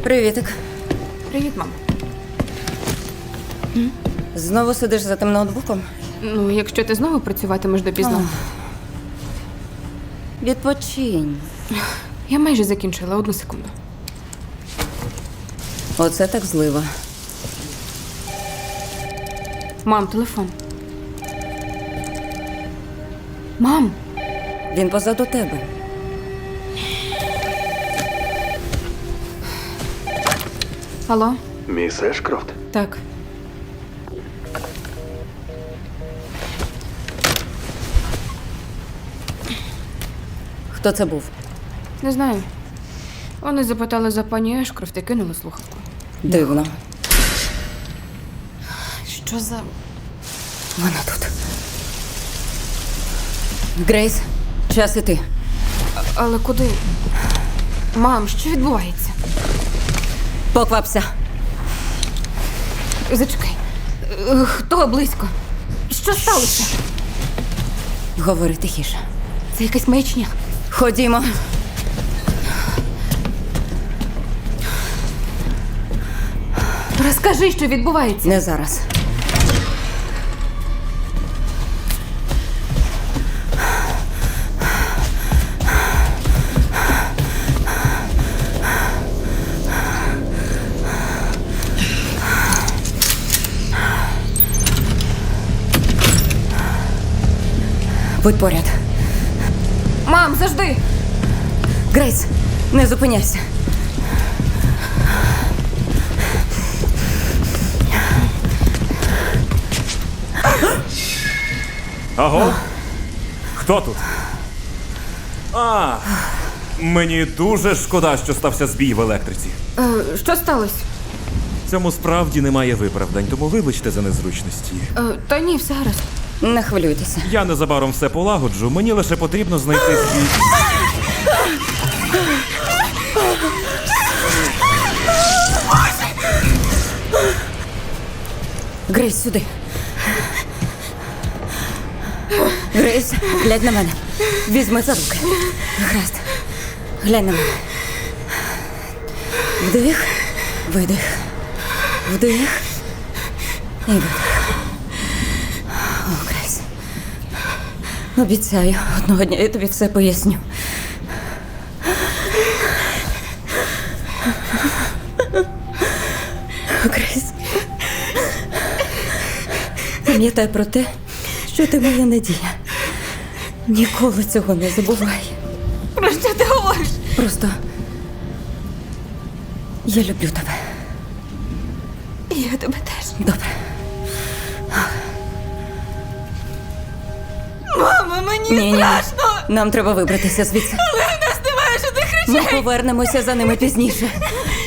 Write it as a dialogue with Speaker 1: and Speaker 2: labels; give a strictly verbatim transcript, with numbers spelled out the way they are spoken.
Speaker 1: Привітик.
Speaker 2: Привіт, мам.
Speaker 1: Знову сидиш за тим ноутбуком?
Speaker 2: Ну, якщо ти знову працюватимеш допізно.
Speaker 1: Відпочинь.
Speaker 2: Я майже закінчила, одну секунду.
Speaker 1: Оце так злива.
Speaker 2: Мам, телефон. Мам!
Speaker 1: Він позаду тебе.
Speaker 2: Алло?
Speaker 3: Міс Ешкрофт?
Speaker 2: Так.
Speaker 1: Хто це був?
Speaker 2: Не знаю. Вони запитали за пані Ешкрофт і кинули слухавку.
Speaker 1: Дивно.
Speaker 2: Що за...
Speaker 1: Вона тут. Грейс, час іти.
Speaker 2: Але куди? Мам, що відбувається?
Speaker 1: Поквапся.
Speaker 2: Зачекай. Е, Хто близько? Що сталося?
Speaker 1: Говори тихіше.
Speaker 2: Це якась маячня.
Speaker 1: Ходімо.
Speaker 2: Розкажи, що відбувається.
Speaker 1: Не зараз. Будь поряд.
Speaker 2: Мам, завжди!
Speaker 1: Грейс, не зупиняйся.
Speaker 4: Аго? Хто тут? А, мені дуже шкода, що стався збій в електриці.
Speaker 2: Е, що сталося?
Speaker 4: Цьому справді немає виправдань, тому вибачте за незручності.
Speaker 2: Е, та ні, все гаразд.
Speaker 1: Не хвилюйтеся.
Speaker 4: Я незабаром все полагоджу, мені лише потрібно знайти свій...
Speaker 1: Грейс, сюди. Грейс, глянь на мене. Візьми за руки. Гаразд. Глянь на мене. Вдих, видих. Вдих і видих. О, Грейс. Обіцяю, одного дня я тобі все поясню. О, Грейс. Пам'ятай про те, що ти моя надія. Ніколи цього не забувай.
Speaker 2: Про що ти говориш?
Speaker 1: Просто я люблю тебе.
Speaker 2: Я тебе теж.
Speaker 1: Добре.
Speaker 2: Мама, мені
Speaker 1: Ні, ні.
Speaker 2: страшно!
Speaker 1: Нам треба вибратися звідси.
Speaker 2: Але в нас немає жодних
Speaker 1: Ми
Speaker 2: речей!
Speaker 1: повернемося за ними пізніше.